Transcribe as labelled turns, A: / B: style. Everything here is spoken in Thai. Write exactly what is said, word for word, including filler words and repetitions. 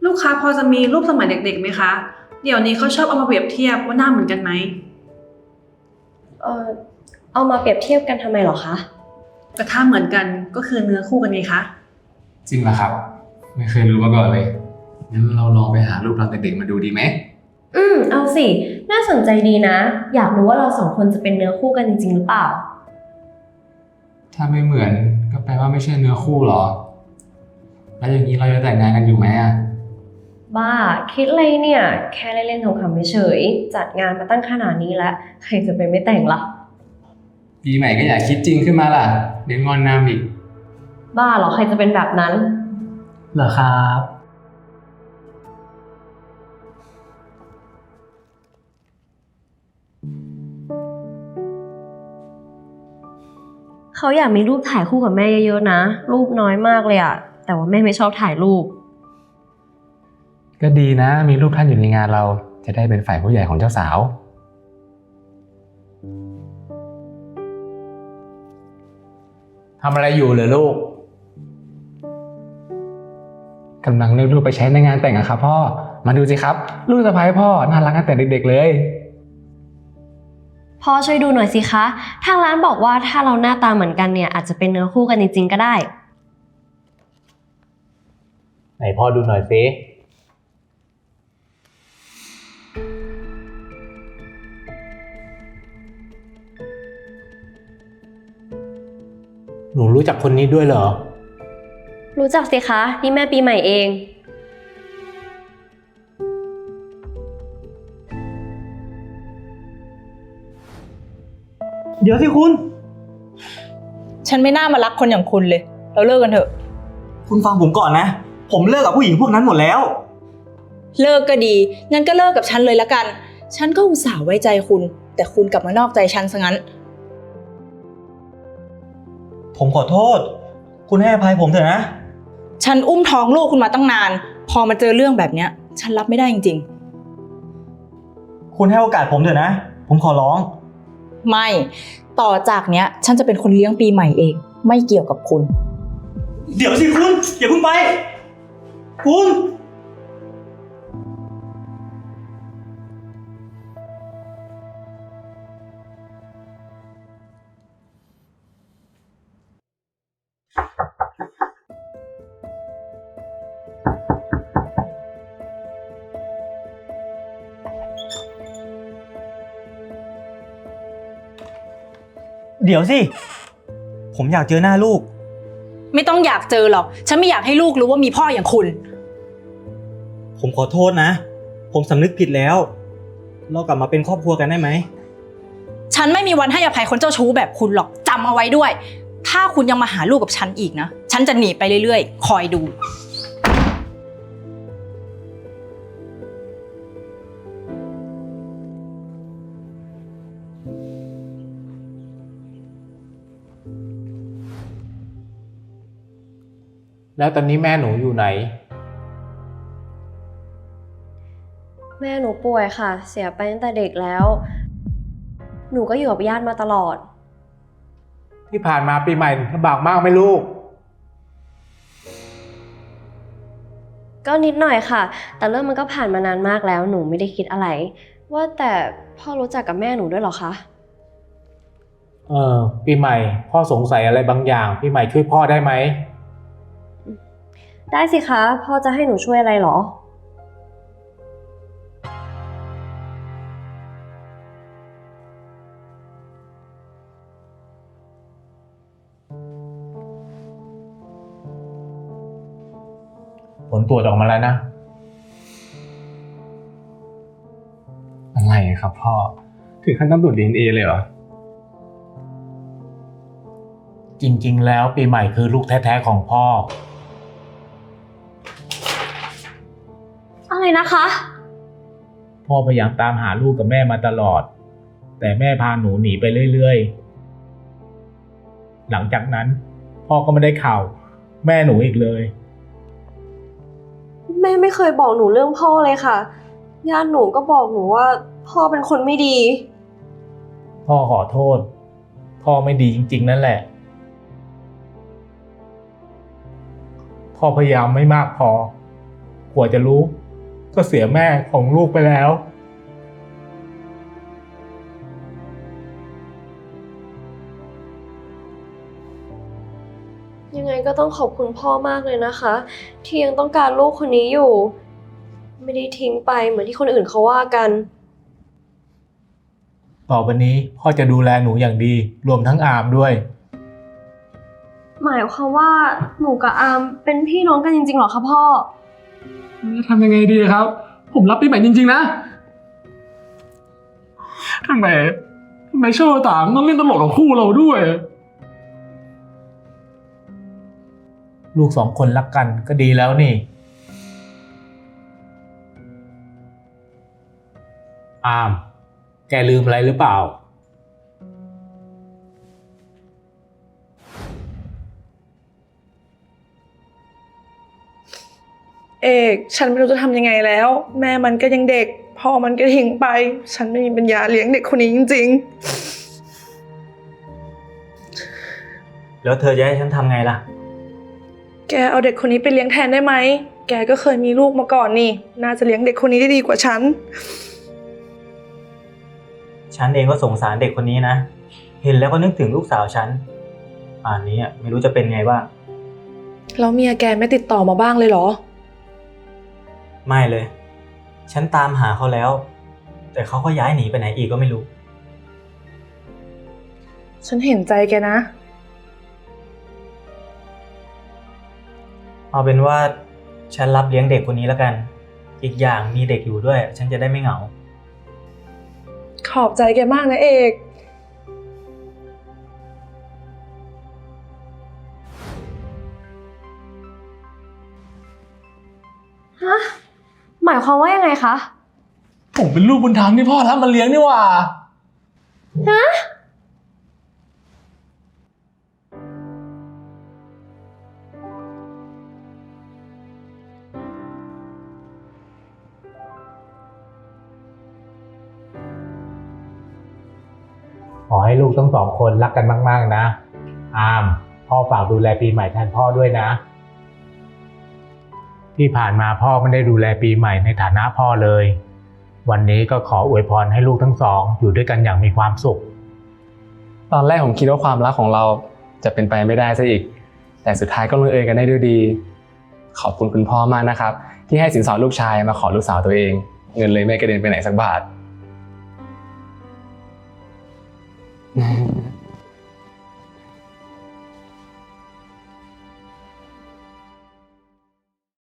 A: ลูกค้าพอจะมีรูปสมัยเด็กๆไหมคะเดี๋ยวนี้เขาชอบเอามาเปรียบเทียบว่าหน้าเหมือนกันไหม
B: เออเอามาเปรียบเทียบกันทำไมเหรอคะ
A: แต่ถ้าเหมือนกันก็คือเนื้อคู่กันไงคะ
C: จริงเหรอครับไม่เคยรู้มาก่อนเลยงั้นเราลองไปหารูปเราเด็กๆมาดูดีไหม
B: อืมเอาสิน่าสนใจดีนะอยากรู้ว่าเราสองคนจะเป็นเนื้อคู่กันจริงๆหรือเปล่า
C: ถ้าไม่เหมือนก็แปลว่าไม่ใช่เนื้อคู่หรอแล้วอย่างนี้เราจะแต่งงานกันอยู่ไหมอ่ะ
B: บ้าคิดอะไรเนี่ยแค่เล่นๆขำๆเฉยๆจัดงานมาตั้งขนาดนี้แล้วใครจะไปไม่แต่งล่ะ
C: ปีใหม่ก็อย่าคิดจริงขึ้นมาล่ะเดี๋ยวงอนน้ำอีก
B: บ้าเหรอใครจะเป็นแบบนั้น
D: เหรอครับ
B: เขาอยากมีรูปถ่ายคู่กับแม่เยอะๆนะรูปน้อยมากเลยอะแต่ว่าแม่ไม่ชอบถ่ายรูป
C: ก็ดีนะมีรูปท่านอยู่ในงานเราจะได้เป็นฝ่ายผู้ใหญ่ของเจ้าสาวทำอะไรอยู่เหรอลูกกำลังเลือกรูปไปใช้ในงานแต่งอะครับพ่อมาดูสิครับลูกสะใภ้พ่อน่ารักตั้งแต่เด็กๆเลย
B: พ่อช่วยดูหน่อยสิคะทางร้านบอกว่าถ้าเราหน้าตาเหมือนกันเนี่ยอาจจะเป็นเนื้อคู่กันจริงๆก็ได้
D: ไหนพ่อดูหน่อยสิหนูรู้จักคนนี้ด้วยเหรอ
B: รู้จักสิคะนี่แม่ปีใหม่เอง
E: เดี๋ยวสิคุณ
F: ฉันไม่น่ามารักคนอย่างคุณเลยเราเลิกกันเถอะ
E: คุณฟังผมก่อนนะผมเลิกกับผู้หญิงพวกนั้นหมดแล้ว
F: เลิกก็ดีงั้นก็เลิกกับฉันเลยละกันฉันก็อุตส่าห์ไว้ใจคุณแต่คุณกลับมานอกใจฉันซะงั้น
E: ผมขอโทษคุณให้อภัยผมเถอะนะ
F: ฉันอุ้มท้องลูกคุณมาตั้งนานพอมาเจอเรื่องแบบเนี้ยฉันรับไม่ได้จริง
E: ๆคุณให้โอกาสผมเถอะนะผมขอร้อง
F: ไม่ต่อจากเนี้ยฉันจะเป็นคนเลี้ยงปีใหม่เองไม่เกี่ยวกับคุณ
E: เดี๋ยวสิคุณอย่าเพิ่งไปคุณเดี๋ยวสิผมอยากเจอหน้าลูก
F: ไม่ต้องอยากเจอหรอกฉันไม่อยากให้ลูกรู้ว่ามีพ่ออย่างคุณ
E: ผมขอโทษนะผมสำนึกผิดแล้วเรากลับมาเป็นครอบครัวกันได้ไหม
F: ฉันไม่มีวันให้อภัยคนเจ้าชู้แบบคุณหรอกจำเอาไว้ด้วยถ้าคุณยังมาหาลูกกับฉันอีกนะฉันจะหนีไปเรื่อยๆคอยดู
D: แล้วตอนนี้แม่หนูอยู่ไหน
B: แม่หนูป่วยค่ะเสียไปตั้งแต่เด็กแล้วหนูก็อยู่กับญาติมาตลอด
D: ที่ผ่านมาปีใหม่ลำบากมากไหมลูก
B: ก็นิดหน่อยค่ะแต่เรื่องมันก็ผ่านมานานมากแล้วหนูไม่ได้คิดอะไรว่าแต่พ่อรู้จักกับแม่หนูด้วยเหรอคะ
D: เออปีใหม่พ่อสงสัยอะไรบางอย่างปีใหม่ช่วยพ่อได้ไหม
B: ได้สิคะพ่อจะให้หนูช่วยอะไรเหรอ
D: ผลตรวจออกมาแล้วนะ
C: อะไรครับพ่อถึงขั้นต้องตรวจ ดี เอ็น เอ เลยเหรอ
D: จริงๆแล้วปีใหม่คือลูกแท้ๆของพ่อ
B: อะไรนะคะ
D: พ่อพยายามตามหาลูกกับแม่มาตลอดแต่แม่พาหนูหนีไปเรื่อยๆหลังจากนั้นพ่อก็ไม่ได้ข่าวแม่หนูอีกเลย
B: แม่ไม่เคยบอกหนูเรื่องพ่อเลยค่ะญาติหนูก็บอกหนูว่าพ่อเป็นคนไม่ดี
D: พ่อขอโทษพ่อไม่ดีจริงๆนั่นแหละพ่อพยายามไม่มากพอกว่าจะรู้ ก็เสียแม่ของลูกไปแล้ว
B: ยังไงก็ต้องขอบคุณพ่อมากเลยนะคะ ที่ยังต้องการลูกคนนี้อยู่ ไม่ได้ทิ้งไปเหมือนที่คนอื่นเขาว่ากัน
D: ต่อไปนี้พ่อจะดูแลหนูอย่างดี รวมทั้งอามด้วย
B: หมายความว่าหนูกับอามเป็นพี่น้องกันจริงๆเหรอคะพ่อ
C: จะทำยังไงดีครับ ผมรับปีใหม่จริงๆนะทำไมทำไมโชว์ต่างต้องเล่นตลกกับคู่เราด้วย
D: ลูกสองคนรักกันก็ดีแล้วนี่ อาม แกลืมอะไรหรือเปล่า
A: เอกฉันไม่รู้จะทำยังไงแล้ว แม่มันก็ยังเด็กพ่อมันก็ทิ้งไป ฉันไม่มีปัญญาเลี้ยงเด็กคนนี้จริง
E: แล้วเธอจะให้ฉันทำไงล่ะ
A: ๆ แกเอาเด็กคนนี้ไปเลี้ยงแทนได้ไหม แกก็เคยมีลูกมาก่อนนี่ น่าจะเลี้ยงเด็กคนนี้ได้ดีกว่าฉัน
E: ฉันเองก็สงสารเด็กคนนี้นะ เห็นแล้วก็นึกถึงลูกสาวฉัน ป่านนี้อะไม่รู้จะเป็นไงบ้าง
A: แล้วเมียแกไม่ติดต่อมาบ้างเลยเหรอ
E: ไม่เลย ฉันตามหาเขาแล้ว แต่เขาก็ย้ายหนีไปไหนอีกก็ไม่รู้
A: ฉันเห็นใจแกนะ
E: เอาเป็นว่าฉันรับเลี้ยงเด็กคนนี้แล้วกัน อีกอย่างมีเด็กอยู่ด้วย ฉันจะได้ไม่เหงา
A: ขอบใจแกมากนะเอก
B: ฮะ หมายความว่ายังไงคะ
C: ผมเป็นลูกบุญธรรมที่พ่อรับมาเลี้ยงนี่หว่า
B: ฮะ
D: ขอให้ลูกทั้งสองคนรักกันมากๆนะ อาม พ่อฝากดูแลปีใหม่แทนพ่อด้วยนะ ที่ผ่านมาพ่อไม่ได้ดูแลปีใหม่ในฐานะพ่อเลย วันนี้ก็ขออวยพรให้ลูกทั้งสองอยู่ด้วยกันอย่างมีความสุข
C: ตอนแรกผมคิดว่าความรักของเราจะเป็นไปไม่ได้ซะอีก แต่สุดท้ายก็ลงเอยกันได้ด้วยดี ขอบคุณคุณพ่อมากนะครับ ที่ให้สินสอดลูกชายมาขอลูกสาวตัวเอง เงินเลยไม่กระเด็นไปไหนสักบาท